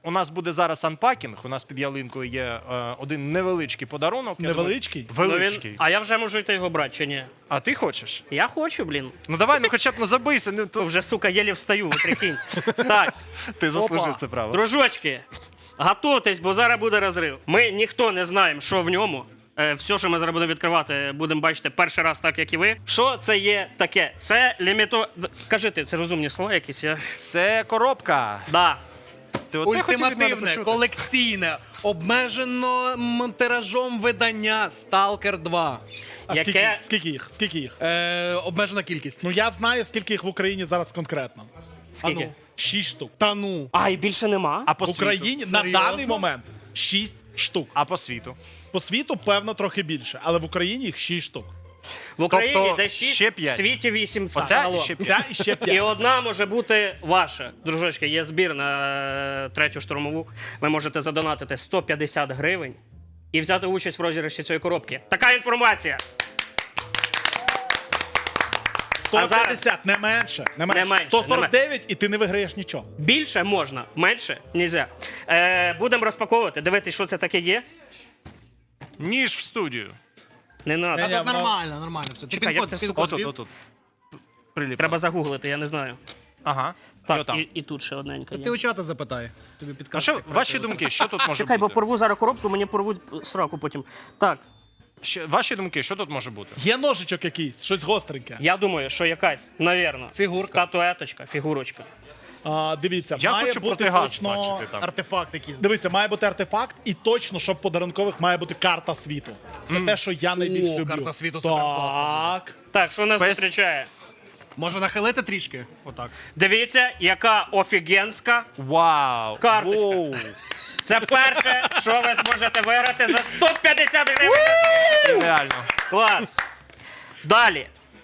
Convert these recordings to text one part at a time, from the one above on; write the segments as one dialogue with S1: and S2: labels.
S1: у нас буде зараз анпакінг, у нас під ялинкою є один невеличкий подарунок.
S2: Невеличкий?
S1: Величкий.
S3: А я вже можу йти його брати, чи ні?
S1: А ти хочеш?
S3: Я хочу, блін.
S1: Ну давай, ну хоча б забийся.
S3: Вже, сука, єлі встаю, ви прикинь. Так,
S1: Ти заслужив це право.
S3: дружочки, готуйтесь, бо зараз буде розрив. Ми ніхто не знаємо, що в ньому. Все, що ми зараз будемо відкривати, будемо бачити перший раз, так як і ви. Що це є таке? Це Кажи ти, це розумні слова якісь?
S1: Це коробка.
S3: Да.
S1: Ти оце хотів від мене
S4: Ультимативне,
S1: почути?
S4: колекційне, обмежено тиражом видання Stalker 2.
S2: А
S3: Яке?
S2: Скільки їх?
S4: Обмежена кількість.
S2: Ну я знаю, скільки їх в Україні зараз конкретно.
S3: Скільки?
S2: А ну, 6 штук.
S4: Та ну.
S3: А, і більше нема?
S1: А по
S2: В Україні
S1: світу?
S2: на
S4: Серйозно?
S2: даний момент 6 штук.
S1: А по світу?
S2: По світу, певно, трохи більше, але в Україні їх 6 штук.
S3: В Україні
S1: Тобто
S3: десь 6,
S1: ще
S3: в
S1: 5.
S3: світі 8.
S1: Оце
S3: загалом.
S1: і ще 5.
S2: Ця і ще 5.
S3: І одна може бути ваша. Дружочки, є збір на третю штурмову. Ви можете задонатити 150 гривень і взяти участь в розіграші цієї коробки. Така інформація.
S2: 150, не менше. Не менше.
S3: менше,
S2: 149 і ти не виграєш нічого.
S3: Більше можна, менше нельзя. Будемо розпаковувати, дивитися, що це таке є.
S1: Ніж в студію.
S3: Не треба.
S2: Ні, ну,
S4: Нормально все. Ти
S3: Чекай, як це, сука,
S1: Отут. Приліп.
S3: Треба загуглити, я не знаю.
S1: Ага. І
S3: Так,
S1: отам.
S3: і тут ще одненька
S4: Ти
S3: є.
S4: у чата запитай. Тобі
S1: А
S4: підкажуть.
S1: що, ваші думки, що тут може
S3: Чекай, бо
S1: бути?
S3: порву зараз коробку, мені порвуть сраку потім. Так,
S1: Ваші думки, що тут може бути?
S2: Є ножичок якийсь, щось гостреньке.
S3: я думаю, що якась, навірно,
S4: Фігурка.
S3: статуеточка, фігурочка.
S2: Дивіться,
S1: Я
S2: має
S1: хочу
S2: бути
S1: протигаз
S2: точно...
S1: бачити там.
S4: Артефакт якийсь.
S2: Дивися, має бути артефакт, і точно, щоб подарункових має бути карта світу. Це те, що я найбільш люблю.
S4: карта світу суперкласна.
S2: Так.
S3: Так, що нас
S1: Спец-
S3: зустрічає?
S4: Може нахилити трішки? Отак.
S3: Дивіться, яка офігенська.
S1: Вау!
S3: Карточка.
S1: Воу.
S3: Це перше, що ви зможете виграти за 150 гривень.
S1: Реально.
S3: Клас. Далі.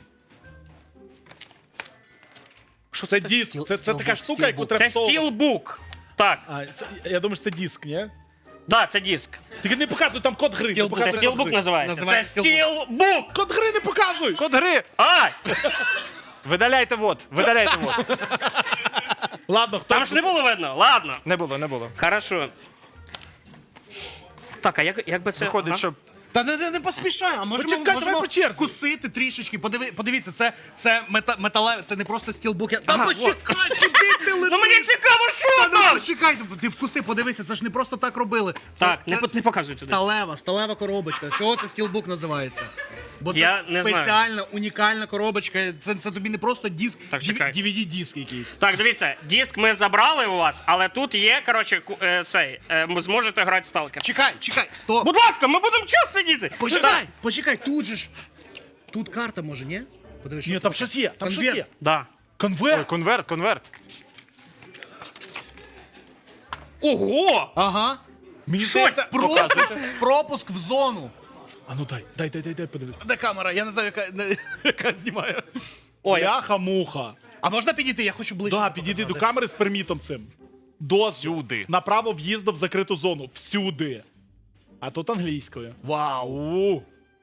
S2: Що це диск? Це така штука, яку треба
S3: Це
S2: всовувати.
S3: стілбук. Так,
S2: Я думаю, що це диск, ні?
S3: да, це диск.
S2: Тільки не показуй там код гри. не
S4: Стілбук.
S2: показуй
S3: Це
S2: код
S3: стілбук
S2: гри.
S3: називається. Це
S4: Називається
S3: стілбук.
S2: Код гри не показуй!
S1: Код гри!
S3: Ай!
S1: Видаляйте вот, видаляйте вот.
S2: Ладно, хто
S3: Там ж не було видно. Ладно.
S1: Не було.
S3: Хорошо. Так, а як би це...
S1: Виходить,
S3: ага.
S1: що
S4: Та не поспішай, а можемо,
S2: Почекай, давай по черзі.
S4: вкусити трішечки. Подивіться, це металеве, це не просто стілбук. Та
S3: Ага,
S4: почекай, куди ти летиш?
S3: Ну мені цікаво, що
S4: Та ну
S3: там!
S4: почекай, ти вкуси, подивися, це ж не просто так робили.
S3: Так, не показуй туди.
S4: Сталева коробочка. Чого це стілбук називається? Бо це
S3: Я не знаю.
S4: спеціальна, унікальна коробочка. Це тобі не просто диск,
S3: Так, чекай.
S4: DVD-диск якийсь.
S3: Так, дивіться, диск ми забрали у вас, але тут є, коротше, ви зможете грати сталкер.
S4: Чекай, стоп.
S3: Будь ласка, ми будемо час сидіти.
S4: Почекай, тут же ж. Тут карта може, ні? Подивись,
S2: Ні,
S4: що
S2: там
S4: це
S2: щось
S4: таке.
S2: є, там щось
S4: Конверт.
S2: є.
S3: Да.
S2: Конверт.
S1: конверт.
S3: Ого!
S4: Ага.
S2: Мені
S3: Щось
S2: здається,
S4: Пропуск в зону.
S2: А ну дай, подивись.
S4: Де камера? Я не знаю, яка знімає.
S3: Ой,
S2: Бляха-муха.
S4: А можна підійти? Я хочу ближче.
S2: Да, підійди до камери з пермітом цим. Дозвіл.
S1: Всюди.
S2: Направо в'їзду в закриту зону. Всюди. А тут англійською.
S4: Вау.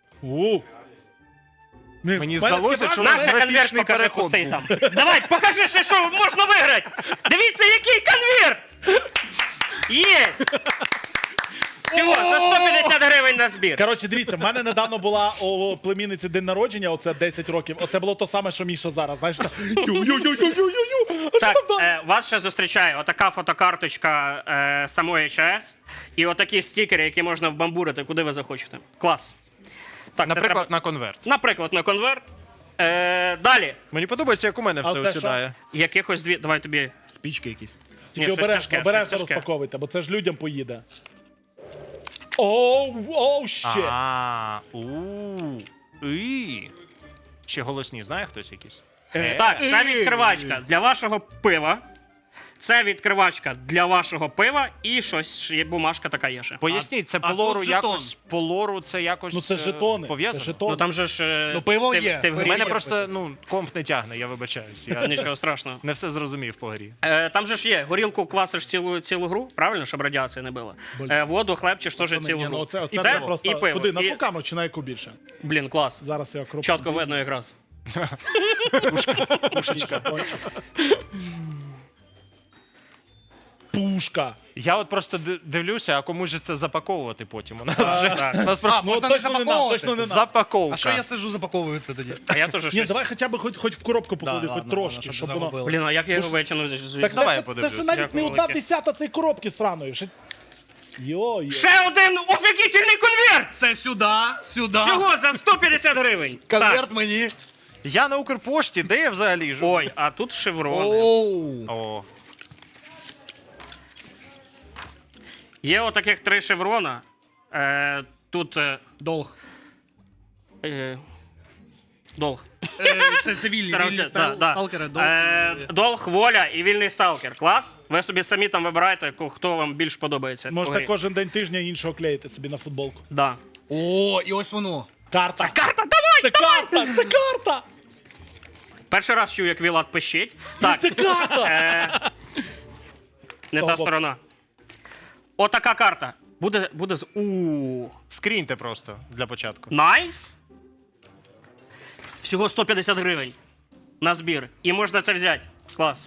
S1: Мені здалося, що у нас
S3: Наша конверт
S1: графічний
S3: покажи
S1: переход
S3: пустий
S1: був.
S3: там. Давай, покажи ще, що можна виграти. Дивіться, який конверт. Є. Всього, за 150 гривень на збір.
S2: Коротше, дивіться, в мене недавно була у племінниці день народження, оце 10 років. Оце було то саме, що Міша зараз. Знаєш, ю-ю-ю-ю-ю-ю. А що
S3: Так,
S2: там далі?
S3: вас ще зустрічає отака фотокарточка самої ЧАЕС і отакі стікери, які можна вбамбурити, куди ви захочете. Клас. Так, це
S1: Наприклад,
S3: треба-
S1: на конверт.
S3: Наприклад, на конверт. Далі.
S1: Мені подобається, як у мене все
S2: це що?
S1: осідає.
S3: Якихось дві. Давай тобі.
S4: Спічки якісь.
S2: Тільки
S3: щось
S2: обережно,
S3: тяжке,
S2: обережно
S3: щось тяжке.
S2: розпаковуйте, бо це ж людям поїде. Оу, ще.
S1: Ще голосні, знає хтось якийсь?
S3: Так, це відкривачка для вашого пива. Це відкривачка для вашого пива і щось є бумажка така є ще.
S1: Поясніть, це
S4: а
S1: по лору
S4: тут жетон.
S1: якось, по лору це якось
S2: Ну це жетони. Це
S1: пов'язано?
S3: Ну
S2: жетони.
S3: там же ж.
S4: Ну, пиво
S3: ти,
S4: є.
S3: Ти в
S4: У
S1: У
S3: грі.
S1: мене просто, комп не тягне, я вибачаюсь. Я
S3: Нічого страшного.
S1: не все зрозумів по грі.
S3: Там же ж є, горілку квасиш цілу гру, правильно, щоб радіація не била. Воду, хлебчиш теж цілу
S2: Ні,
S3: гру.
S2: ну оце
S3: І
S2: це просто...
S3: і пиво.
S2: Куди, на
S3: І-
S2: ту камеру чи на яку більше?
S3: Блін, клас.
S2: Зараз я кропку.
S3: Чітко видно якраз.
S1: Пушечка.
S2: пушка.
S1: Я от просто дивлюся, а кому ж це запаковувати потім? У нас вже насправді
S4: Можна
S2: Ну,
S4: не
S2: точно не нам,
S4: запаковувати.
S2: точно не нам.
S1: запаковка.
S4: А що я сижу, запаковую це тоді?
S3: А я теж
S2: Ні,
S3: щось.
S2: давай хоча б хоч в коробку поклади,
S4: Да,
S2: хоч
S4: ладно,
S2: трошки,
S4: ладно,
S2: щоб
S4: щоб
S2: воно...
S4: загубили.
S3: Блін, а як я його витягну звідси?
S2: Так
S1: Давай я
S2: це
S1: подивлюсь.
S2: ж навіть
S3: Дякую
S2: не одна
S3: велике.
S2: десята цієї коробки сраної. Йо-йо.
S3: Ще один офігітельний конверт!
S4: Це сюди, сюди.
S3: Всього за 150 гривень.
S4: Конверт
S3: Так.
S4: мені.
S1: Я на Укрпошті, де я взагалі живу?
S3: Ой, а тут шеврони.
S4: Оу.
S1: О,
S3: Є отаких 3 шеврона. Тут
S4: Долг.
S3: долг.
S4: Це вільні,
S3: Старався,
S4: сталкери. Долг.
S3: Долг, воля і вільний сталкер. Клас. Ви собі самі там вибираєте, хто вам більш подобається. в
S2: Можете
S3: грі.
S2: кожен день тижня іншого клеїти собі на футболку.
S3: Да.
S4: О, і ось воно.
S2: Карта.
S3: Карта, давай!
S2: Це карта! Це карта!
S3: Перший раз чую, як Вілат пищить. Так,
S2: Це карта!
S3: не та
S2: боку.
S3: сторона. Отака карта. Буде з.
S1: скріньте просто для початку.
S3: Найс! Всього 150 гривень на збір. І можна це взяти. Клас.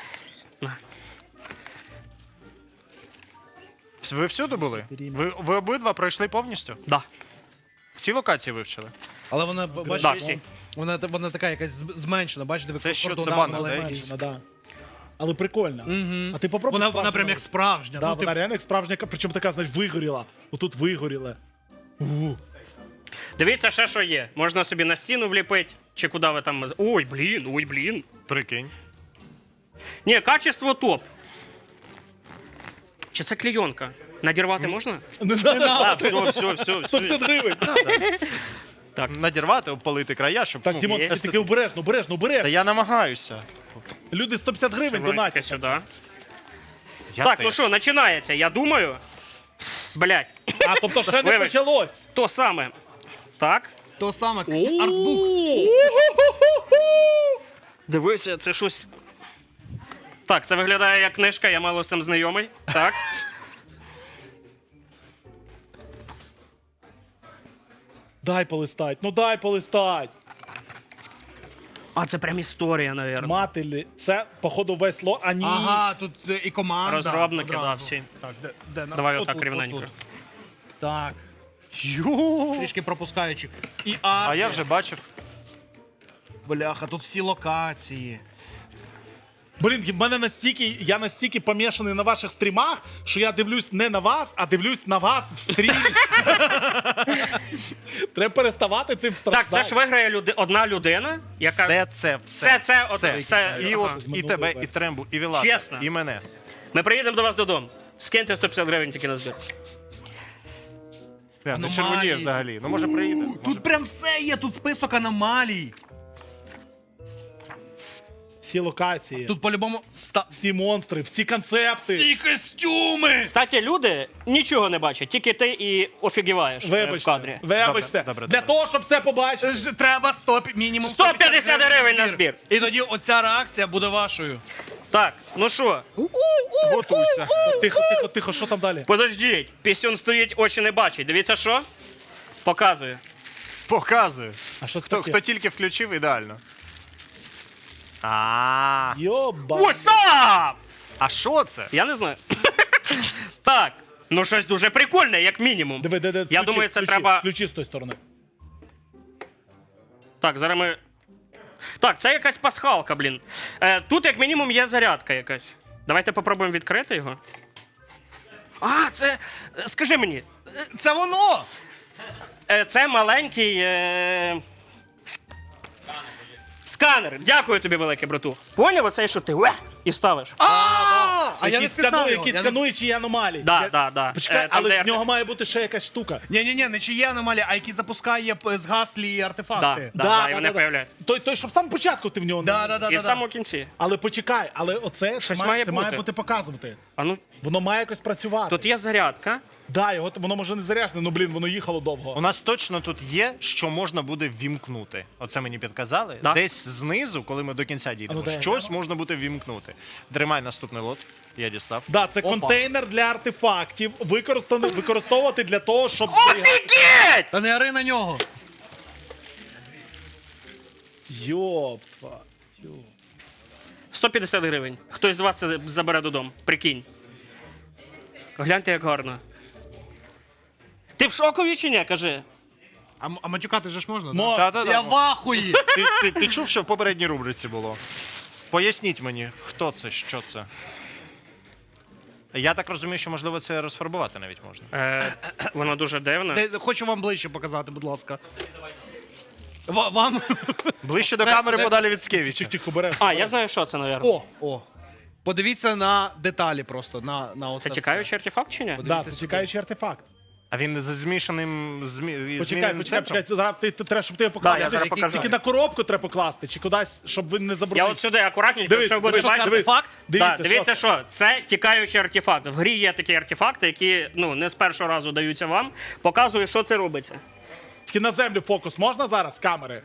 S1: Ви всюди були? Ви обидва пройшли повністю?
S3: Да.
S1: Всі локації вивчили?
S4: Але вона,
S3: Да,
S4: бачиш,
S3: всі.
S4: вона така якась зменшена, бачите?
S1: Це що,
S4: кордон
S1: це
S4: маленький.
S1: банер, да?
S2: Зменшена, да. Але прикольно. А ти попробуй.
S4: Вона
S2: справжню
S4: прям як
S2: робити.
S4: справжня.
S2: Да,
S4: Ну,
S2: вона реально як справжня, причому така, знаєш, вигоріла. Отут вигоріла.
S3: Дивіться, ще що є. Можна собі на стіну вліпити, чи куди ви там. Ой, блін.
S1: Прикинь.
S3: Ні, качество топ. Чи це клейонка? Надірвати можна?
S2: Не надо.
S3: Все.
S2: 150 гривень.
S1: Надірвати, обпалити края, щоб...
S2: Так,
S1: ну,
S2: Дімон,
S3: є.
S2: ти таки обережно.
S1: Та я намагаюся.
S2: Люди 150 гривень
S3: Шеврончики
S2: донатять.
S3: сюди.
S1: Я
S3: Так,
S1: теж.
S3: ну що, починається. Я думаю. Блять,
S2: А, тобто ще не
S3: Вибач.
S2: почалось.
S3: то саме. Так.
S4: То саме, артбук.
S3: Дивися, це щось. Так, це виглядає як книжка, я мало з цим знайомий. Так.
S2: Дай полистать, ну дай полистать.
S3: А це прям історія, навірно.
S2: Мателі, це, походу, весь ло. А ні.
S4: Ага, тут і команда.
S3: Розробники, да,
S4: одразу.
S3: всі.
S4: Так, де нас?
S3: Давай
S4: От
S3: отак
S4: тут,
S3: рівненько.
S4: от тут. Так,
S1: Ю.
S4: трішки пропускаючи. І
S1: А я вже бачив.
S4: Бляха, тут всі локації.
S2: Блін, я настільки помішаний на ваших стрімах, що я дивлюсь не на вас, а дивлюсь на вас в стрімі. Треба переставати цим страждати.
S3: Так, це ж виграє одна людина, яка.
S1: Все.
S3: Все.
S1: І,
S3: Ага.
S1: от, і тебе, і Трембу, і Вілата,
S3: Чесно.
S1: і мене.
S3: Ми приїдемо до вас додому. Скиньте 150 гривень тільки на збір.
S1: Не
S4: Аномалії.
S1: червоніє взагалі. Ну, може, приїде. Може.
S4: Тут прям все є, тут список аномалій.
S2: Всі локації,
S4: Тут по-любому
S2: всі монстри, всі концепти.
S4: всі костюми.
S3: Кстати, люди нічого не бачать, тільки ти і офігіваєш в кадрі.
S2: Вибачте.
S1: Добре.
S2: Для того, щоб все побачити.
S4: Треба мінімум
S3: 150 гривень на збір.
S4: І тоді оця реакція буде вашою.
S3: Так, ну що,
S1: Готуйся.
S2: Тихо, що там далі?
S3: подождіть, пісюн стоїть, очі не бачить. Дивіться, що? Показую.
S1: Показую.
S2: А що це
S1: Хто
S2: таке?
S1: тільки включив, ідеально. А
S2: Йоба.
S3: What's up?
S1: А що це?
S3: Я не знаю. Так, ну щось дуже прикольне, як мінімум.
S2: Диви, де,
S3: Я думаю, це треба.
S2: Ключі з тої сторони.
S3: Так, зараз ми. Так, це якась пасхалка, блін. Тут, як мінімум, є зарядка якась. Давайте попробуємо відкрити його. А, це. Скажи мені,
S4: Це воно!
S3: це маленький. Сканер. Дякую тобі, велике, брату. Поняв оцей, що ти і ставиш?
S4: А я не впізнав його.
S2: Які скануючі аномалії.
S3: Да.
S2: Почекай,
S3: Там,
S2: але
S3: де
S2: в нього має бути ще якась штука.
S4: Ні, не чи є аномалії, а які запускає згаслі артефакти.
S3: Да, і вони появляються.
S2: Той, що в самому початку ти в нього не.
S4: Да.
S3: І в самому кінці.
S2: Але почекай, але оце це
S3: Щось
S2: має,
S3: має
S2: це має
S3: бути.
S2: бути показувати.
S3: А ну,
S2: Воно має якось працювати.
S3: тут є зарядка.
S2: Да, воно може не заряджене, ну блін, воно їхало
S1: У
S2: довго.
S1: нас точно тут є, що можна буде ввімкнути. Оце мені підказали.
S3: Да.
S1: Десь знизу, коли ми до кінця дійдемо,
S2: А ну, дай,
S1: щось можна буде ввімкнути. Тримай наступний лот. Я дістав.
S2: Да, це контейнер для артефактів, використовувати для того, щоб
S3: Офігеть!
S4: Та не ори на нього.
S2: Йопа.
S3: 150 гривень. Хтось з вас це забере додому. Прикинь. Гляньте, як гарно. Ти в шокові чи ні, кажи?
S4: А матюкати же ж можна?
S2: Мо-
S1: Та-та-та.
S4: Я в ахуї!
S1: Ти чув, що в попередній рубриці було? Поясніть мені, хто це, що це? Я так розумію, що можливо це розфарбувати навіть можна.
S3: Воно дуже дивне.
S4: Хочу вам ближче показати, будь ласка. Вам.
S1: Ближче до камери подалі від Скевіча.
S2: Чик-чик, обереш.
S3: А, я знаю, що це, мабуть.
S4: О. Подивіться на деталі просто. На оце
S3: Це
S4: все.
S3: тікаючий артефакт чи ні?
S2: Да, це чекаючий артефакт.
S1: А він за змішаним
S2: Почекай,
S1: зміненим центром?
S2: почекай, зараз ти треба, щоб ти його поклав.
S3: Да, я зараз
S2: Тільки-
S3: покажу.
S2: Тільки на коробку треба покласти, чи кудись, щоб він не
S3: Я
S2: забрудив.
S3: от сюди акуратненько,
S2: Дивись,
S3: якщо ви будете
S2: дивись,
S3: бачити.
S2: дивись.
S4: Факт?
S3: Дивіться, що це тікаючий артефакт. В грі є такі артефакти, які не з першого разу даються вам. Показую, що це робиться.
S2: Тільки на землю фокус можна зараз з камери?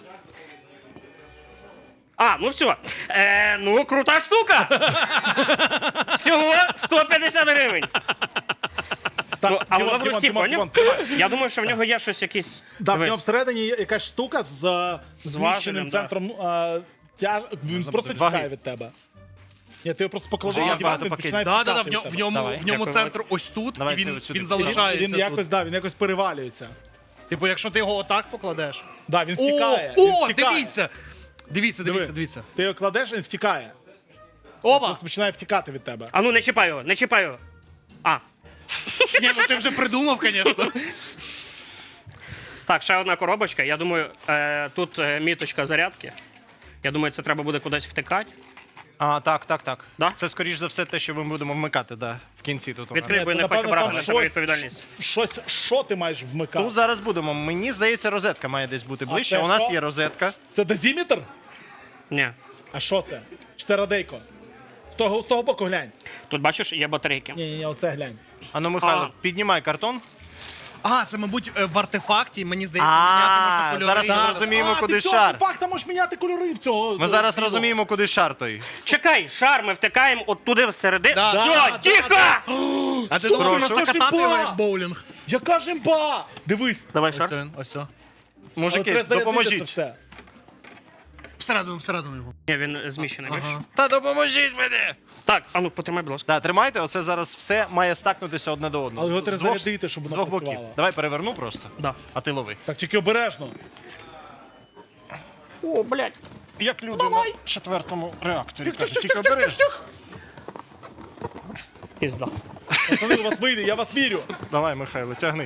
S3: А, ну все. Ну, крута штука. Всього 150 гривень.
S2: Так,
S3: Ну, а воно в
S2: Дімон,
S3: руці,
S2: Дімон,
S3: поняв?
S2: Дімон, тримай.
S3: Я думаю, що в нього є щось якесь.
S2: Да, в
S3: Дивись.
S2: нього всередині є якась штука з
S3: важелем,
S2: зміщеним
S3: да.
S2: центром. Він просто
S1: Ваги.
S2: тікає від тебе. Ні, ти його просто поклади
S1: Вже є
S2: на диван,
S1: багато
S2: він
S1: пакетів.
S2: починає
S4: Да,
S2: втікати
S4: в
S2: від тебе.
S4: ньому
S1: Давай.
S3: Дякую.
S4: центр ось тут,
S1: Давай
S4: і
S1: це
S4: він,
S1: ось сюди.
S4: він
S2: Він
S4: залишається.
S2: якось,
S4: тут.
S2: він якось перевалюється.
S4: Типу, якщо ти його отак покладеш.
S2: Да, він втікає.
S4: О,
S2: він втікає.
S4: дивіться! Дивіться,
S2: Диви.
S4: дивіться.
S2: Ти його кладеш, він втікає.
S4: Оба!
S2: Просто починає втікати від тебе.
S3: А ну не чіпай його, не чіпай його. А,
S4: Ні, ну ти вже придумав, звісно.
S3: так, ще одна коробочка. Я думаю, тут міточка зарядки. Я думаю, це треба буде кудись втикати.
S1: А, так.
S3: Да?
S1: Це, скоріш за все, те, що ми будемо вмикати, да, в кінці тут. у нас.
S3: Відкрий,
S2: Ні,
S3: бо я
S2: це,
S3: не хочу
S2: напевно,
S3: брати
S2: там
S3: на себе
S2: щось-
S3: відповідальність.
S2: Що ти маєш вмикати?
S1: Тут зараз будемо. Мені здається, розетка має десь бути ближче.
S2: це
S1: У нас
S2: що?
S1: є розетка.
S2: Це дозиметр?
S3: Ні.
S2: А що це? Чи це радейко? З того боку глянь.
S3: Тут бачиш, є батарейки.
S2: Ні, оце глянь.
S1: Ану, Михайло,
S3: А.
S1: піднімай картон.
S4: А, це, мабуть, в артефакті, мені здається, міняти можна кольори.
S1: зараз ми
S4: Так.
S1: розуміємо,
S2: А,
S1: куди
S2: ти цього
S1: шар.
S2: факта можеш міняти кольори в цього.
S1: Ми зараз розуміємо, куди шар той.
S3: Чекай, шар ми втикаємо от туди всередину.
S4: Да.
S3: Все,
S2: Да,
S3: тихо!
S4: А ти думав,
S1: Прошу.
S4: просто катати його
S2: Шипа!
S4: як боулінг?
S2: Яка жимба! Дивись.
S3: Давай
S4: Ось
S3: шар.
S4: він, ось о.
S2: Але
S1: Мужики,
S2: треба зарядити це
S1: допоможіть.
S2: все.
S4: Всередину його.
S3: Ні, він зміщений. бачиш?
S4: Ага.
S1: Та допоможіть мені!
S3: Так, а ну потримай, будь ласка.
S1: Так, тримайте, оце зараз все має стакнутися одне до одного.
S2: Але його
S1: З
S2: треба
S1: двох-
S2: зарядити, щоб
S1: з
S2: воно
S1: двох боків.
S2: працювало.
S1: Давай переверну просто,
S3: Да.
S1: а ти лови.
S2: Так, тільки обережно.
S3: О, блядь.
S1: Як люди на четвертому реакторі кажуть, тільки обережно.
S3: Пізда.
S2: Пацани, у вас вийде, я вас вірю.
S1: Давай, Михайло, тягни.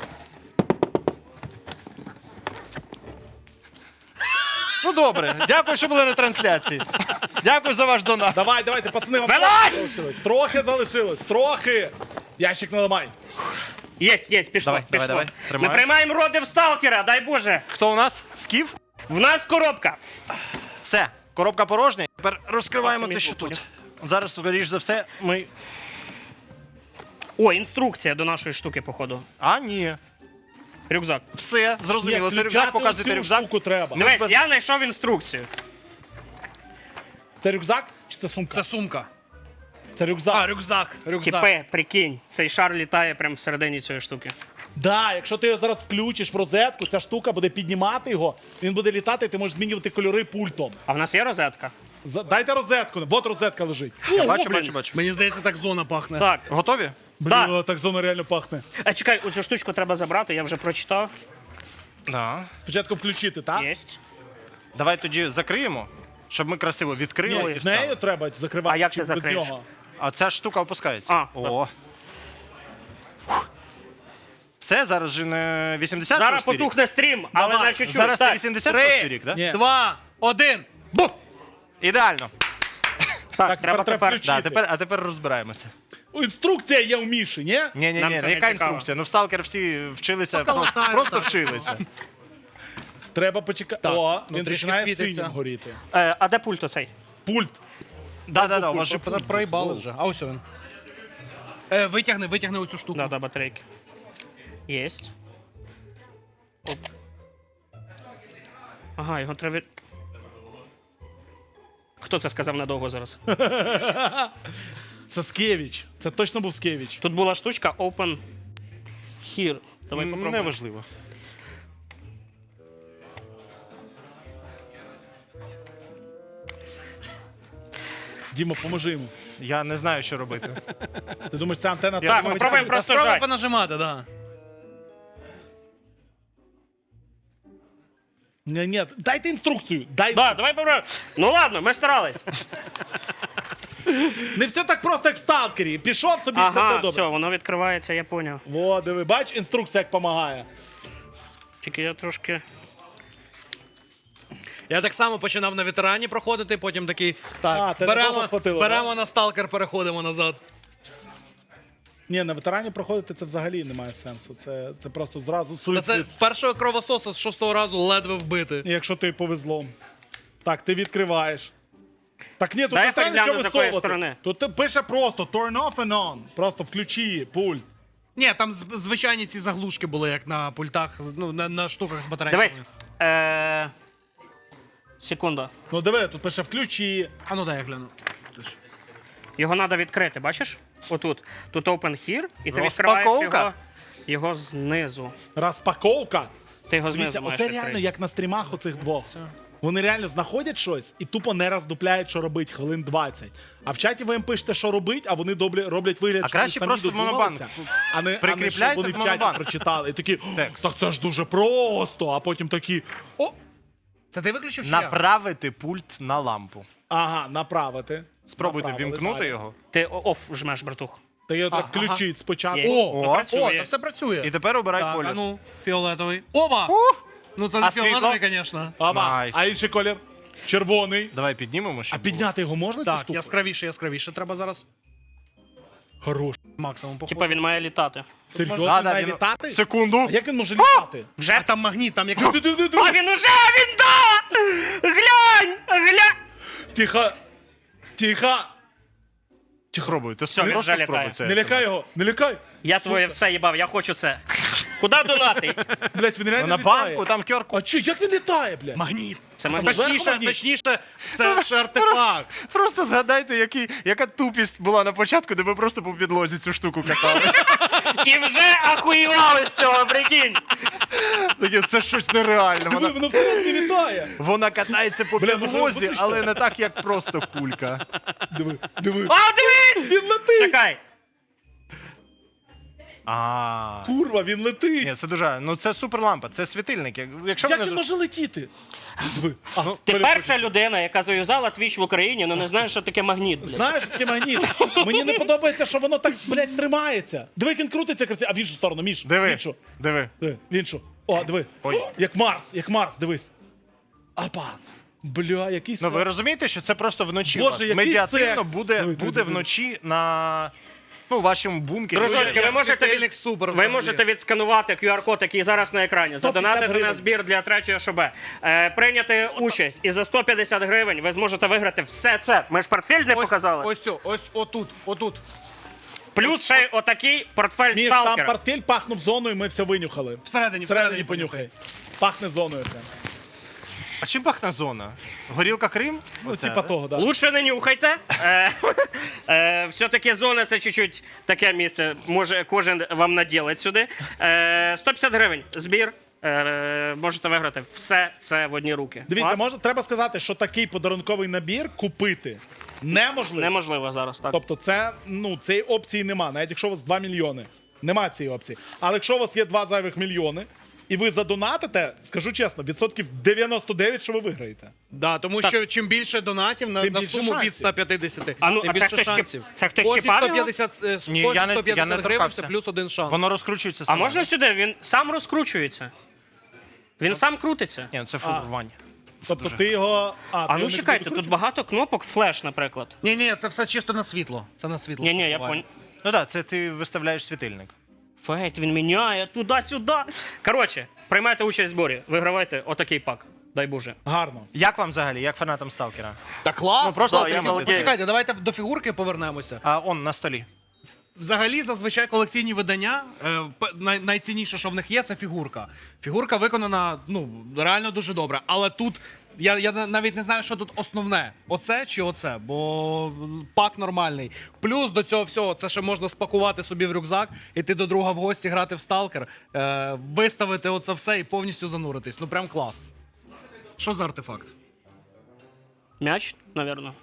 S1: Ну добре, дякую, що були на трансляції. Дякую за ваш донат.
S2: Давайте, пацани, вам
S3: Вилазь!
S2: трохи залишилось. Трохи залишилось, трохи. Ящик наламай.
S3: Єсть, пішло,
S1: Давай,
S3: пішло.
S1: давай, тримай.
S3: Ми приймаємо роди в сталкера, дай Боже.
S1: Хто у нас? Скіф?
S3: В нас коробка.
S1: Все, коробка порожня. Тепер розкриваємо
S3: Так,
S1: те, що
S3: мені
S1: тут. Зараз, скоріш за все, ми.
S3: О, інструкція до нашої штуки, походу.
S1: А, ні.
S3: Рюкзак.
S1: Все, зрозуміло. Це рюкзак, показуйте
S2: цю
S1: рюкзак.
S2: штуку треба.
S3: Дивись, я знайшов інструкцію.
S2: Це рюкзак чи це сумка?
S4: Це сумка.
S2: Це рюкзак.
S4: А, рюкзак.
S3: Тіпе, прикинь, цей шар літає прямо всередині цієї штуки.
S2: Да, якщо ти його зараз включиш в розетку, ця штука буде піднімати його, він буде літати, і ти можеш змінювати кольори пультом.
S3: А в нас є розетка?
S2: Дайте розетку, от розетка лежить.
S1: Я бачу,
S3: блін.
S1: бачу.
S4: Мені здається, так зона пахне.
S3: Так.
S1: Готові?
S2: Блін, так зона реально пахне.
S3: Чекай, оцю штучку треба забрати, я вже прочитав.
S1: Да.
S2: Спочатку включити, так?
S3: Єсть.
S1: Давай тоді закриємо, щоб ми красиво відкрили.
S2: Ні,
S1: і
S2: з нею
S1: встали.
S2: треба закривати.
S3: А як
S2: чи
S3: ти
S2: без
S3: закриєш?
S2: нього?
S1: А ця штука опускається.
S3: А,
S1: О. Все, зараз же не 80
S3: Зараз потухне стрім, але
S2: Давай.
S3: на чуть-чуть.
S1: Зараз
S3: так,
S1: ти 86 рік, так?
S2: Ні.
S4: 2, 1. Бу!
S1: Ідеально.
S3: так, треба
S2: тепер
S3: тепер.
S2: включити.
S1: Да, а тепер розбираємося.
S2: Інструкція є у Міші, ні?
S1: Ні,
S3: Нам це не
S1: яка
S3: цікаво.
S1: інструкція? Ну в сталкер всі вчилися,
S4: Поколотаємо,
S1: просто
S4: так.
S1: вчилися.
S2: Треба почекати.
S4: Так,
S2: О,
S4: ну,
S2: він
S4: трішки
S2: починає
S4: світиться.
S2: синім горіти.
S3: А де пульт оцей?
S2: Пульт.
S1: Да, у вас же
S4: Проїбали вже. А ось він. Витягни оцю штуку.
S3: Да, батарейки. Єсть. Оп. Ага, його треба. Хто це сказав надовго зараз?
S2: Це Скевіч. Це точно був Скевіч.
S3: Тут була штучка Open Here. Давай попробуємо.
S1: неважливо.
S2: Діма, поможи йому.
S1: Я не знаю, що робити.
S2: Ти думаєш, це антенна
S1: Я
S3: Так,
S1: думаю,
S3: ми пробуємо просто
S4: Справа
S3: жать.
S4: понажимати, да.
S2: Ні, дайте інструкцію.
S3: Да, давай попробуємо. Ну ладно, ми старались.
S2: Не все так просто, як в сталкері. Пішов собі, все
S3: Ага,
S2: буде добре.
S3: все, воно відкривається, я поняв.
S2: О, диви, бач, інструкція як допомагає.
S3: Тільки я трошки...
S4: Я так само починав на ветерані проходити, потім такий, так,
S2: ти довго хватило,
S4: беремо на сталкер, переходимо назад.
S2: Ні, на ветерані проходити це взагалі немає сенсу. Це просто зразу
S4: Та це
S2: суїцид.
S4: першого кровососа з 6-го разу ледве вбити.
S2: Якщо тобі повезло. Так, ти відкриваєш. Так ні, тут
S3: Дай
S2: не треба
S3: перегляну,
S2: нічого
S3: з якої
S2: висовувати.
S3: сторони.
S2: Тут ти пише просто turn off and on. Просто включи пульт.
S4: Ні, там звичайні ці заглушки були, як на пультах, ну, на штуках з батарейками.
S3: Дивись. Секунда.
S2: Ну диви, тут пише включи.
S4: А ну дай я гляну.
S3: Його треба відкрити, бачиш? Отут. Тут open here, і ти відкриваєш
S1: Розпаковка.
S3: його знизу.
S2: Розпаковка.
S3: Ти його
S2: Дивіться,
S3: знизу маєш
S2: оце реально
S3: відкрити.
S2: як на стрімах оцих двох. Вони реально знаходять щось і тупо не роздупляють, що робить хвилин 20. А в чаті ви їм пишете, що робить, а вони роблять вигляд,
S1: А
S2: що
S1: краще
S2: вони самі
S1: просто в монобанк.
S2: додумалися, а не
S1: Прикріпляйте
S2: щоб вони
S1: в
S2: в чаті
S1: монобанк.
S2: прочитали. І такі,
S1: Текст.
S2: так це ж дуже просто, а потім такі, о,
S4: Це ти виключив чи я?
S1: Направити пульт на лампу.
S2: ага, направити.
S1: Спробуйте
S2: Направили,
S1: вімкнути
S2: далі.
S1: його.
S3: Ти оф жмеш, братух.
S2: Ти його так
S4: ага.
S2: включить спочатку.
S3: Є.
S2: О,
S3: Ну,
S4: О,
S3: працює.
S4: та все працює.
S1: І тепер обирай
S4: Так,
S1: колір.
S4: а ну, фіолетовий. Оба! Ну це не
S1: А світло?
S4: фіолетовий, звісно.
S2: ага.
S1: Найс.
S2: А інший колір? Червоний.
S1: Давай піднімемо,
S2: А
S1: щоб
S2: підняти його можна? цю
S4: Так,
S2: штуку?
S4: яскравіше треба зараз
S2: Хорош.
S4: максимум походу.
S3: Типа він має літати.
S2: Серйозно,
S1: Да, да,
S2: має
S1: він-
S2: літати?
S1: Секунду.
S2: А як він може літати?
S3: Вже?
S4: А там магніт, там як...
S3: А він уже! Він да! Глянь! Глянь!
S2: Тихо. Тихо.
S1: Спробуй, ти
S3: Все, він
S1: просто
S3: вже
S1: спробуй
S3: літає.
S1: це.
S2: Не лякай його, не лякай.
S3: Я твоє все їбав, я хочу це. Куди донатить?
S2: Блять, він реально
S1: На
S2: літає.
S1: банку, там QR-код.
S2: А чи, як він літає, блядь?
S4: Магніт.
S3: Це магніт.
S4: Точніше, це ж артефакт.
S1: Просто згадайте, яка тупість була на початку, де ви просто по підлозі цю штуку катали.
S3: І вже ахуєвали з цього, прикинь.
S1: Таке, це щось нереальне.
S2: Диви,
S1: Вона,
S2: воно всередині літає.
S1: вона катається по
S2: Бля, може,
S1: підлозі,
S2: виключно?
S1: але не так, як просто кулька.
S2: Диви, диви.
S3: А, дивись!
S2: Він летить.
S3: Чекай.
S1: А.
S2: Курва, він летить.
S1: Ні, це дуже. Ну це суперлампа, це світильник. Якщо
S2: Як
S1: вони
S2: він може летіти? Диви. А,
S3: Ти перша людина, яка зав'язала твіч в Україні, але не знаєш, що таке магніт, блядь.
S2: Знаєш, що таке магніт? Мені не подобається, що воно так, блядь, тримається. Диви, як він крутиться красиво. А в іншу сторону, Міш. В
S1: Диви,
S2: іншу.
S1: диви.
S2: Диви, в іншу. О, диви.
S1: Ой.
S2: Як Марс, дивись. Апа. Бля, який
S1: Ну ви
S2: секс.
S1: розумієте, що це просто вночі
S2: Боже,
S1: у вас.
S2: який
S1: Медіативно
S2: секс.
S1: буде,
S2: Диви,
S1: буде
S2: диви.
S1: вночі на вашому бункері.
S3: Дружочки, ви можете,
S4: світильник супер
S3: ви
S4: взагалі.
S3: можете відсканувати QR-код, який зараз на екрані,
S2: 150
S3: задонатити на
S2: гривень.
S3: збір для третього ШБ, прийняти участь, і за 150 гривень ви зможете виграти все це. Ми ж портфель не показали.
S4: Ось отут.
S3: Плюс ще й отакий портфель
S2: Міш, там
S3: сталкера.
S2: портфель пахнув зоною, ми все винюхали.
S4: Всередині
S2: понюхай. Пахне зоною прям.
S1: А чим пахне зона? Горілка Крим?
S2: Ну,
S1: Оце,
S2: типа
S1: да?
S2: того, да.
S3: Лучше не нюхайте. Все-таки зона це чуть-чуть таке місце. Може кожен вам наділить сюди. 150 гривень збір. Можете виграти все це в одні руки.
S2: Дивіться,
S3: Клас?
S2: треба сказати, що такий подарунковий набір купити неможливо.
S3: Неможливо зараз, так.
S2: Тобто це, цієї опції нема, навіть якщо у вас 2 мільйони. Нема цієї опції. Але якщо у вас є 2 зайвих мільйони, і ви задонатите, скажу чесно, 99%, що ви виграєте.
S4: Да, тому що чим більше донатів на,
S2: Тим
S4: на
S2: більше
S4: суму від
S2: шансів.
S4: 150,
S3: А ну,
S4: тим
S3: а це
S4: більше
S3: хтось
S4: шансів.
S3: це хтось
S4: Кожні
S3: чіпав його?
S4: 150,
S1: Ні,
S4: кожні
S1: я не
S4: 150 гривень
S1: торкався.
S4: це плюс один шанс.
S1: Воно розкручується
S3: А
S1: само.
S3: можна сюди? Він сам розкручується. Він сам крутиться.
S1: Ні, це фурвань.
S2: Тобто ти його.
S3: А ну чекайте, тут багато кнопок, флеш, наприклад.
S4: Ні, це все чисто на світло. Це на світло.
S3: Ні,
S4: все
S3: я
S4: буває.
S3: понял.
S1: Ну так, це ти виставляєш світильник.
S3: Фейт, він міняє туди-сюди. Коротше, приймайте участь в зборі, вигравайте отакий пак. Дай Боже.
S2: Гарно.
S1: Як вам взагалі, як фанатам Сталкера?
S4: Та клас.
S1: Ну, просто
S3: Да, я
S1: стрімити.
S3: балдею.
S4: Почекайте, давайте до фігурки повернемося.
S1: А он на столі.
S4: Взагалі, зазвичай колекційні видання, найцінніше, що в них є, це фігурка. Фігурка виконана, реально дуже добре. Але тут, я навіть не знаю, що тут основне. Оце чи оце, бо пак нормальний. Плюс до цього всього, це ще можна спакувати собі в рюкзак, іти до друга в гості, грати в сталкер, виставити оце все і повністю зануритись. Ну прям клас. Що за артефакт?
S3: М'яч, напевно.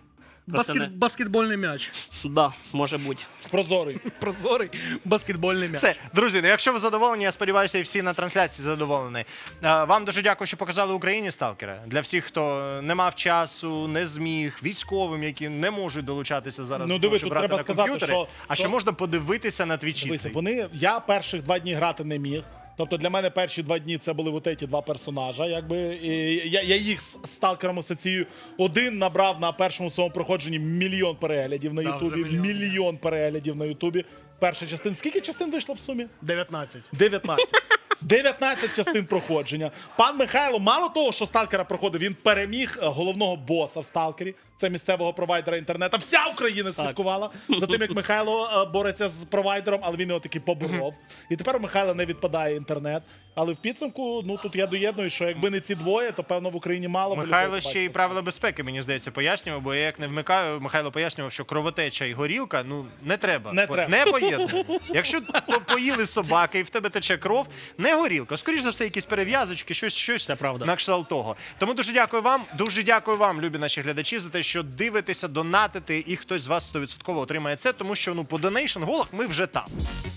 S3: Пацани.
S4: Баскетбольний м'яч.
S3: Да, може бути.
S2: Прозорий.
S4: Прозорий баскетбольний м'яч.
S1: Все, друзі, ну якщо ви задоволені, я сподіваюся, і всі на трансляції задоволені. Вам дуже дякую, що показали Україні сталкера. Для всіх, хто не мав часу, не зміг, військовим, які не можуть долучатися зараз,
S2: Ну,
S1: до
S2: диви,
S1: того, щоб
S2: тут
S1: грати
S2: треба
S1: на
S2: сказати,
S1: комп'ютері, а
S2: що-
S1: що можна подивитися на твічі.
S2: Дивися,
S1: цей.
S2: я перших 2 дні грати не міг. Тобто для мене перші 2 дні це були от ці 2 персонажа. Якби, і я їх з сталкером асоціюю. Один набрав на першому своєму проходженні 1 мільйон переглядів на
S4: Да,
S2: Ютубі.
S4: вже 1
S2: Мільйон переглядів на Ютубі. Перша частина. Скільки частин вийшло в сумі?
S4: 19.
S2: 19. 19 частин проходження. Пан Михайло, мало того, що сталкера проходив, він переміг головного боса в сталкері. Це місцевого провайдера інтернету. Вся Україна слідкувала за тим, як Михайло бореться з провайдером, але він його таки поборов. І тепер у Михайла не відпадає інтернет. Але в підсумку, ну тут я доєдную, що якби не ці двоє, то певно в Україні мало б
S1: Михайло
S2: людей
S1: ще й
S2: побачити.
S1: правила безпеки, мені здається, пояснював, бо я як не вмикаю, Михайло пояснював, що кровотеча і горілка, ну, не треба.
S2: Не треба.
S1: Не поєднуємо. Якщо поїли собаки і в тебе тече кров, не горілка. Скоріш за все, якісь перев'язочки, щось
S3: Це правда.
S1: на кшталт того. Тому дуже дякую вам, любі наші глядачі, за те, що дивитеся, донатите, і хтось з вас 100% отримає це, тому що, ну, по донейшн-голах ми вже там.